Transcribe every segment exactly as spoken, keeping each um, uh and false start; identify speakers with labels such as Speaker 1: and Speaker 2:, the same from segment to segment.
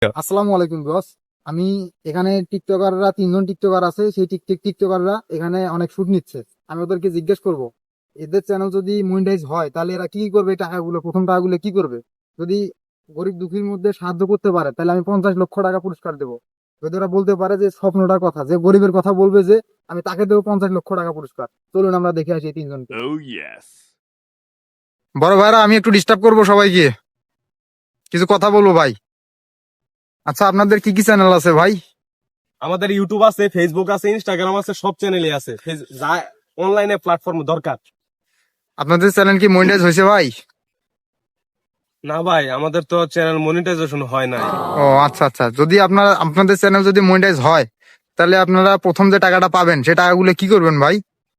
Speaker 1: আসসালামু আলাইকুম বস। আমি এখানে টিকটকাররা তিনজন টিকটকার আছে, সেই টিকটক টিকটকাররা এখানে অনেক শুট নিচ্ছে। আমি ওদেরকে জিজ্ঞেস করব এদের চ্যানেল যদি মনিটাইজ হয় তাহলে এরা কি কি করবে, এই টাকাগুলো প্রথম টাকাগুলো কি করবে। যদি গরিব দুঃখীর মধ্যে সাহায্য করতে পারে তাহলে আমি পঞ্চাশ লক্ষ টাকা পুরস্কার দেবো। যদি ওরা বলতে পারে যে স্বপ্নটার কথা, যে গরিবের কথা বলবে, যে আমি তাকে দেবো পঞ্চাশ লক্ষ টাকা পুরস্কার। চলুন আমরা দেখে আসি এই তিনজনকে।
Speaker 2: Oh yes.
Speaker 1: বড় ভাইরা, আমি একটু ডিস্টার্ব করবো সবাইকে, কিছু কথা বলবো ভাই। আচ্ছা, আপনাদের কি কি চ্যানেল আছে ভাই?
Speaker 2: আমাদের ইউটিউব আছে, ফেসবুক আছে, ইনস্টাগ্রাম আছে, সব চ্যানেলই আছে। ফেস- যা অনলাইনে প্ল্যাটফর্ম দরকার।
Speaker 1: আপনাদের চ্যানেল কি মনিটাইজ হয়েছে ভাই?
Speaker 2: না ভাই, আমাদের তো চ্যানেল মনিটাইজেশন হয় নাই।
Speaker 1: ও আচ্ছা আচ্ছা, যদি আপনারা আপনাদের চ্যানেল যদি মনিটাইজ হয় তাহলে আপনারা প্রথম যে টাকাটা পাবেন সে টাকাগুলো কি করবেন ভাই?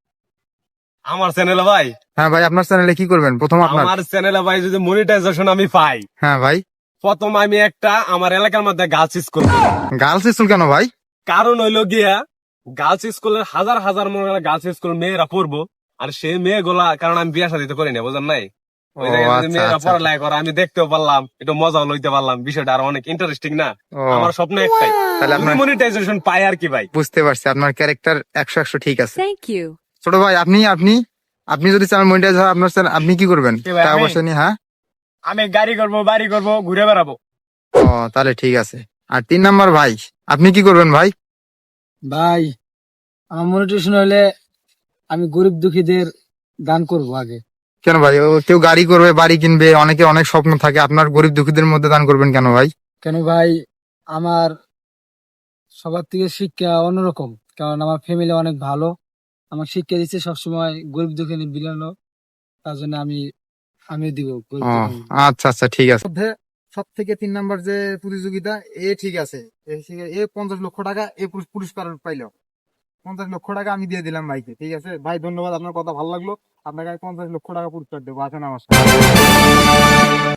Speaker 2: আমার চ্যানেলে ভাই,
Speaker 1: হ্যাঁ ভাই, আপনার চ্যানেলে কি করবেন প্রথম আপনার?
Speaker 2: আমার চ্যানেলে ভাই যদি মনিটাইজেশন আমি পাই,
Speaker 1: হ্যাঁ ভাই।
Speaker 2: প্রথম আমি একটা আমার এলাকার মধ্যে গার্লস স্কুল করব।
Speaker 1: গার্লস স্কুল কেন ভাই?
Speaker 2: কারণ হইলো গিয়া, গার্লস স্কুলের হাজার হাজার মনে হয় গার্লস স্কুল মেয়েরা পড়বো, আর সেই মেয়েগুলা, কারণ আমি বিয়া শাদী তো করি না, বুঝেন নাই। ওই
Speaker 1: ও
Speaker 2: জায়গায় যদি
Speaker 1: আচ্ছা
Speaker 2: মেয়েরা
Speaker 1: আচ্ছা।
Speaker 2: পড়ালেখা করে, আমি দেখতেও পারলাম, একটু মজাও লইতে পারলাম, বিষয়টা আরো অনেক ইন্টারেস্টিং না।
Speaker 1: ও
Speaker 2: আমার স্বপ্ন একটাই,
Speaker 1: তাহলে
Speaker 2: যদি
Speaker 1: আপনার,
Speaker 2: মনিটাইজেশন পাই আর কি ভাই।
Speaker 1: বুঝতে পারছি আপনার ক্যারেক্টার একশো একশো ঠিক আছে।
Speaker 3: Thank you.
Speaker 1: ছোট ভাই, আপনি আপনি আপনি যদি চ্যানেল মনিটাইজ হয় আপনার চ্যানেল আপনি কি করবেন
Speaker 2: কি ভাই,
Speaker 1: টাকা
Speaker 2: আমি?
Speaker 1: পয়সা নিয়ে? হ্যাঁ।
Speaker 2: আমি গাড়ি করব, বাড়ি করব, ঘুরে বেড়াবো।
Speaker 1: ও তাহলে ঠিক আছে। আর তিন নাম্বার ভাই, আপনি কি করবেন ভাই?
Speaker 4: ভাই, আমার মনিটেশন হলে আমি গরিব দুঃখীদের দান করব আগে।
Speaker 1: কেন ভাই? ও কেউ গাড়ি করবে, বাড়ি কিনবে, অনেকে অনেক স্বপ্ন থাকে, আপনার গরিব দুঃখীদের মধ্যে দান করবেন কেন ভাই?
Speaker 4: কেন ভাই, আমার সবার থেকে শিক্ষা অন্যরকম, কারণ আমার ফ্যামিলি অনেক ভালো। আমার শিক্ষা দিচ্ছে সবসময় গরিব দুঃখী বিলানো, তার জন্য আমি আমি দিব গরিব
Speaker 1: ও
Speaker 4: দুঃখী।
Speaker 1: আচ্ছা আচ্ছা, ঠিক আছে। মধ্যে সব থেকে তিন নাম্বার যে প্রতিযোগিতা, এ ঠিক আছে, এ ঠিক আছে, এ পঞ্চাশ লক্ষ টাকা এ পুরস- পুরস্কার পাইলো। পঞ্চাশ লক্ষ টাকা আমি দিয়ে দিলাম ভাইকে, ঠিক আছে ভাই, ধন্যবাদ, আপনার কথা ভালো লাগলো। আপনাকে আমি পঞ্চাশ লক্ষ টাকা পুরস্কার দেবো, আসেন আমার সাথে।